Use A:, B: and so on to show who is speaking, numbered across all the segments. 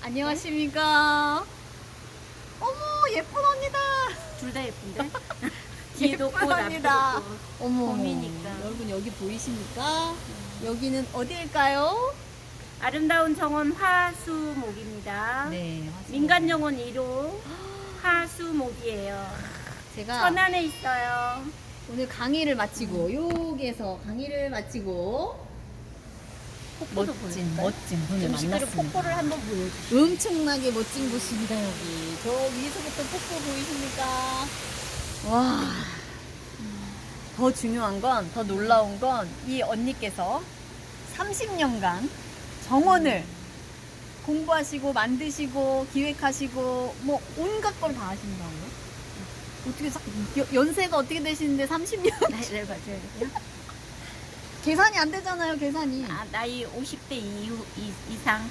A: 안녕하십니까. 어머, 예쁜 언니다.
B: 둘 다 예쁜데? 뒤에도
A: 예쁜
B: 꽃,
A: 언니다.
B: 앞에도 꽃.
A: 어머,
B: 봄이니까.
A: 여러분 여기 보이십니까? 여기는 어디일까요?
B: 아름다운 정원 화수목입니다.
A: 네,
B: 민간정원 1호 화수목이에요.
A: 제가
B: 천안에 있어요.
A: 오늘 강의를 마치고 여기에서 강의를 마치고
B: 폭포도 보일까요?
A: 멋진 분을
B: 음식으로
A: 만났습니다.
B: 폭포를 한번 보여주세요.
A: 엄청나게 멋진 곳입니다. 여기 저 위에서부터 폭포 보이십니까? 와, 더 중요한 건, 더 놀라운 건 이 언니께서 30년간 정원을 공부하시고 만드시고 기획하시고 뭐 온갖 걸 다 하신다고요? 어떻게 연세가 어떻게 되시는데 30년?
B: 나이를 봐줘야 돼요?
A: 계산이 안 되잖아요. 계산이.
B: 아, 나이 50대 이상.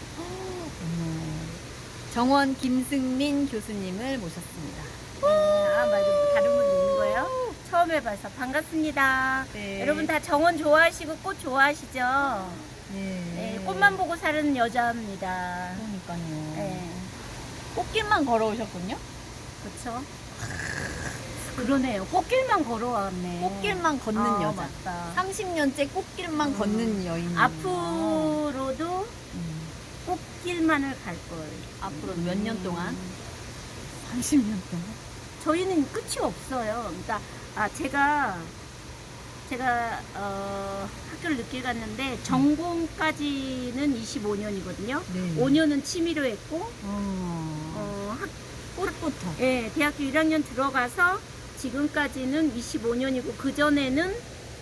A: 정원 김승민 교수님을 모셨습니다.
B: 아, 맞아. 다른 분 있는 거예요? 처음 해봐서 반갑습니다.
A: 네.
B: 여러분 다 정원 좋아하시고 꽃 좋아하시죠? 네, 꽃만 보고 사는 여자입니다.
A: 그러니까요.
B: 네,
A: 꽃길만 걸어오셨군요.
B: 그렇죠. 그러네요. 꽃길만 걸어왔네.
A: 꽃길만 걷는
B: 아,
A: 여자.
B: 맞다.
A: 30년째 꽃길만 걷는 여인.
B: 앞으로도 꽃길만을 갈 걸.
A: 앞으로 몇 년 동안? 30년 동안?
B: 저희는 끝이 없어요. 그러니까 제가 학교를 늦게 갔는데 전공까지는 25년이거든요.
A: 네.
B: 5년은 취미로 했고
A: 꽃부터.
B: 예, 대학교 1학년 들어가서 지금까지는 25년이고 그 전에는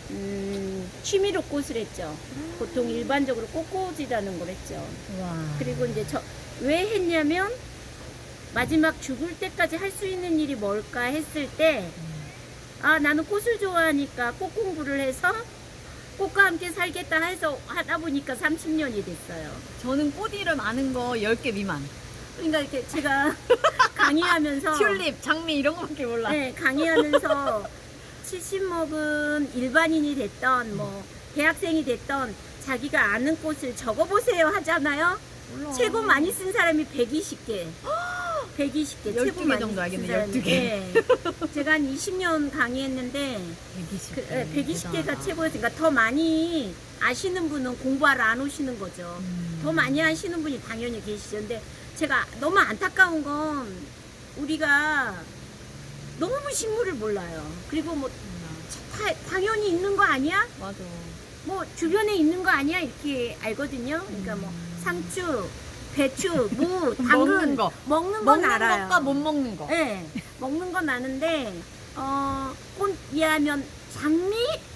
B: 취미로 꽃을 했죠. 보통 일반적으로 꽃꽂이라는 걸 했죠.
A: 와.
B: 그리고 이제 왜 했냐면 마지막 죽을 때까지 할 수 있는 일이 뭘까 했을 때 아, 나는 꽃을 좋아하니까 꽃 공부를 해서 꽃과 함께 살겠다 해서 하다 보니까 30년이 됐어요.
A: 저는 꽃 이름 아는 거 10개 미만.
B: 그러니까 이렇게 제가 강의하면서
A: 튤립, 장미 이런 거밖에 몰라.
B: 네, 강의하면서 70 먹은 일반인이 됐던 뭐 대학생이 됐던 자기가 아는 꽃을 적어보세요 하잖아요.
A: 몰라.
B: 최고 많이 쓴 사람이 120개. 120개.
A: 12개 정도 알겠네, 12개.
B: 네. 제가 한 20년 강의했는데
A: 120개.
B: 120개가 최고였으니까 더 많이 아시는 분은 공부하러 안 오시는 거죠. 더 많이 아시는 분이 당연히 계시죠. 근데 제가 너무 안타까운 건 우리가 너무 식물을 몰라요. 그리고 뭐 당연히 있는 거 아니야?
A: 맞아.
B: 뭐 주변에 있는 거 아니야? 이렇게 알거든요. 그러니까 뭐 상추, 배추, 무, 당근 먹는 건 알아요.
A: 것과 못 먹는 거.
B: 네, 먹는 건 아는데 꽃 이해하면 장미,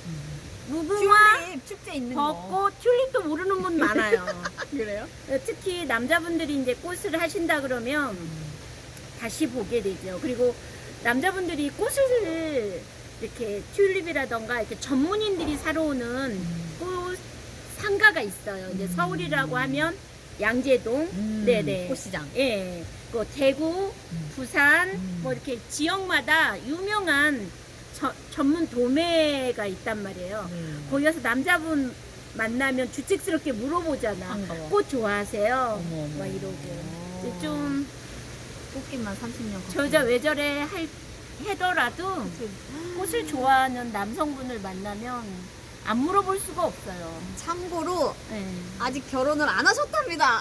B: 무궁화,
A: 튤립, 축제 있는 거.
B: 벚꽃, 튤립도 모르는 분 많아요.
A: 그래요?
B: 특히 남자분들이 이제 꽃을 하신다 그러면 다시 보게 되죠. 그리고 남자분들이 꽃을 이렇게 튤립이라던가 이렇게 전문인들이 사러 오는 꽃 상가가 있어요. 이제 서울이라고 하면 양재동, 네네,
A: 꽃시장.
B: 예, 그 대구, 부산, 뭐 이렇게 지역마다 유명한 전문 도매가 있단 말이에요. 거기 가서 남자분 만나면 주책스럽게 물어보잖아.
A: 반가워.
B: 꽃 좋아하세요?
A: 어머, 어머.
B: 막 이러고. 이제 좀
A: 꽃길만 30년.
B: 저 여자 외절에 하더라도 꽃을 좋아하는 남성분을 만나면 안 물어볼 수가 없어요.
A: 참고로
B: 네.
A: 아직 결혼을 안 하셨답니다.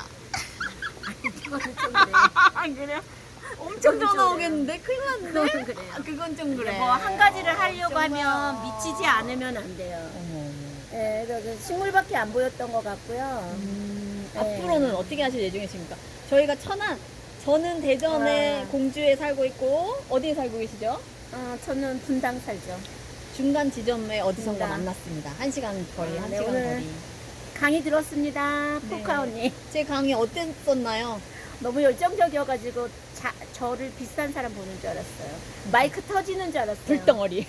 B: 그거는 좀 그래.
A: 안 그래요? 엄청
B: 그건
A: 전화
B: 좀
A: 오겠는데? 큰일 났네.
B: 그건 그래요.
A: 아, 그건 좀 그래.
B: 뭐 한 가지를 하려고
A: 정말.
B: 하면 미치지 않으면 안 돼요.
A: 어머, 어머.
B: 네, 그래서 식물밖에 안 보였던 것 같고요. 네.
A: 앞으로는 어떻게 하실 예정이십니까? 저희가 저는 대전에
B: 와.
A: 공주에 살고 있고, 어디에 살고 계시죠?
B: 저는 분당 살죠.
A: 중간 지점에 어디선가
B: 분당.
A: 만났습니다. 1시간 거리,
B: 아,
A: 1시간
B: 네, 오늘
A: 거리.
B: 강의 들었습니다.
A: 네.
B: 포카 언니.
A: 제 강의 어땠었나요?
B: 너무 열정적이어가지고 저를 비싼 사람 보는 줄 알았어요. 마이크 터지는 줄 알았어요.
A: 불덩어리.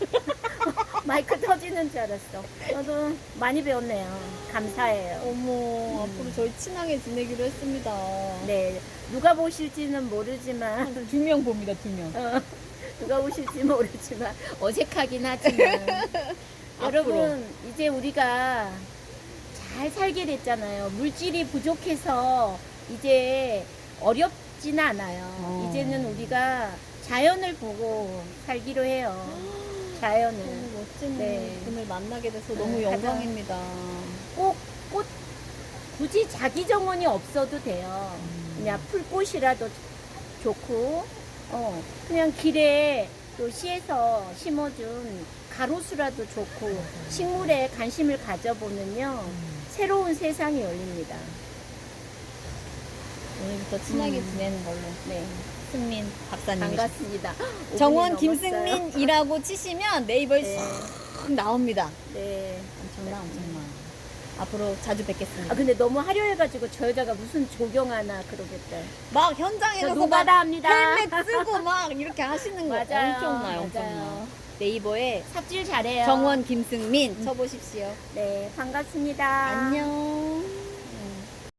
B: 마이크 터지는 줄 알았어. 저도 많이 배웠네요. 감사해요.
A: 어머, 앞으로 저희 친하게 지내기로 했습니다.
B: 네, 누가 보실지는 모르지만
A: 2명 봅니다, 2명.
B: 누가 오실지 모르지만 어색하긴 하지만 여러분 이제 우리가 잘 살게 됐잖아요. 물질이 부족해서 이제 어렵지는 않아요.
A: 어.
B: 이제는 우리가 자연을 보고 살기로 해요. 자연을.
A: 너무 멋진
B: 네.
A: 분을 만나게 돼서
B: 네,
A: 너무
B: 가장-
A: 영광입니다.
B: 꼭 꽃, 굳이 자기 정원이 없어도 돼요. 그냥 풀꽃이라도 좋고, 그냥 길에 또 시에서 심어준 가로수라도 좋고, 식물에 관심을 가져보면요, 새로운 세상이 열립니다.
A: 오늘부터 친하게 지내는 걸로.
B: 네,
A: 승민 박사님.
B: 반갑습니다.
A: 정원
B: 5분이 넘었어요.
A: 김승민이라고 치시면 네이버에
B: 네.
A: 싹 나옵니다.
B: 네.
A: 엄청나. 앞으로 자주 뵙겠습니다.
B: 아, 근데 너무 화려해가지고 저 여자가 무슨 조경하나 그러겠다.
A: 막 현장에
B: 저
A: 가서 막
B: 노가다 합니다.
A: 헬멧 쓰고 막 이렇게 하시는 거
B: 맞아요.
A: 엄청나요.
B: 맞아요.
A: 네이버에
B: 삽질 잘해요.
A: 정원 김승민 쳐보십시오.
B: 네, 반갑습니다.
A: 안녕.